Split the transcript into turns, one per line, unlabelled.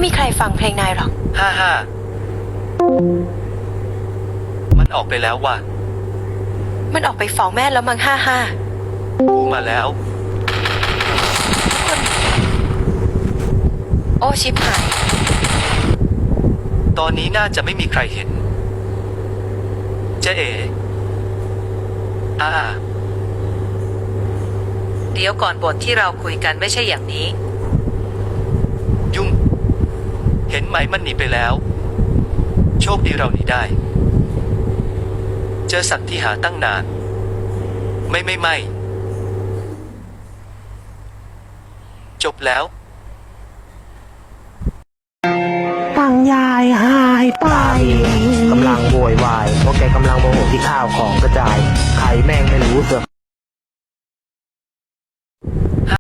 มีใครฟังเพลงนายหรอก
ฮ่ามันออกไปแล้วว่ะ
มันออกไปฟ้องแม่แล้วมั้ง
กูมาแล้ว
โอ้ชิบหาย
ตอนนี้น่าจะไม่มีใครเห็นเจ๊เอ๋
เดี๋ยวก่อนบทที่เราคุยกันไม่ใช่อย่างนี้
ยุ่งเห็นไหมมันหนีไปแล้วโชคดีเราหนีได้เจอสัตว์ที่หาตั้งนานไม่จบแล้ว
ตังยายหายไปกำลังโวยวายเพราะแกกำลังโมโหที่ข้าวของกระจายใครแม่งไม่รู้เสือก